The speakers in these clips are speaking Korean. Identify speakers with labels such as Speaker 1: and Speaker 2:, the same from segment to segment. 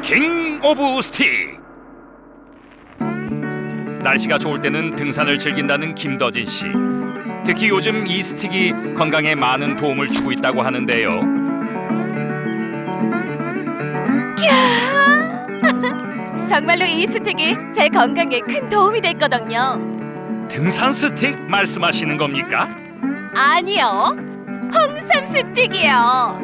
Speaker 1: 킹 오브 스틱. 날씨가 좋을 때는 등산을 즐긴다는 김더진 씨. 특히 요즘 이 스틱이 건강에 많은 도움을 주고 있다고 하는데요.
Speaker 2: 정말로 이 스틱이 제 건강에 큰 도움이 됐거든요.
Speaker 1: 등산 스틱 말씀하시는 겁니까?
Speaker 2: 아니요, 홍삼 스틱이요.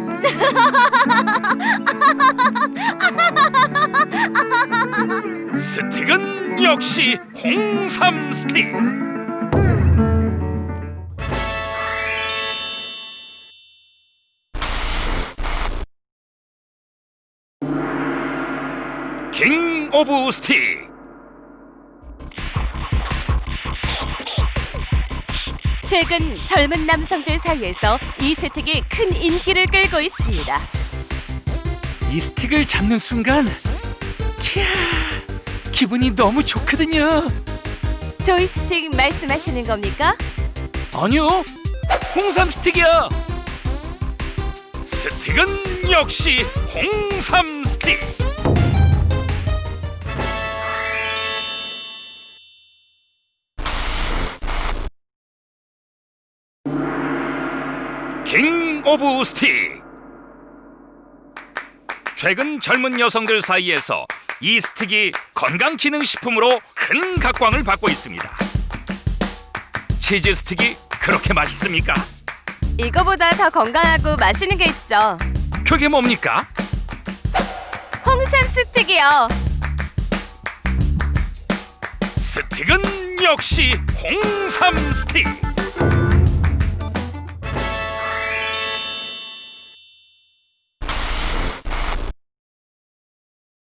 Speaker 1: 스틱은 역시 홍삼 스틱. 킹 오브 스틱.
Speaker 2: 최근 젊은 남성들 사이에서 이 스틱이 큰 인기를 끌고 있습니다.
Speaker 1: 이 스틱을 잡는 순간 기분이 너무 좋거든요.
Speaker 2: 조이스틱 말씀하시는 겁니까?
Speaker 1: 아니요, 홍삼 스틱이야. 스틱은 역시 홍삼 스틱. 킹 오브 스틱. 최근 젊은 여성들 사이에서 이 스틱이 건강기능식품으로 큰 각광을 받고 있습니다. 치즈 스틱이 그렇게 맛있습니까?
Speaker 2: 이거보다 더 건강하고 맛있는 게 있죠.
Speaker 1: 그게 뭡니까?
Speaker 2: 홍삼 스틱이요.
Speaker 1: 스틱은 역시 홍삼 스틱.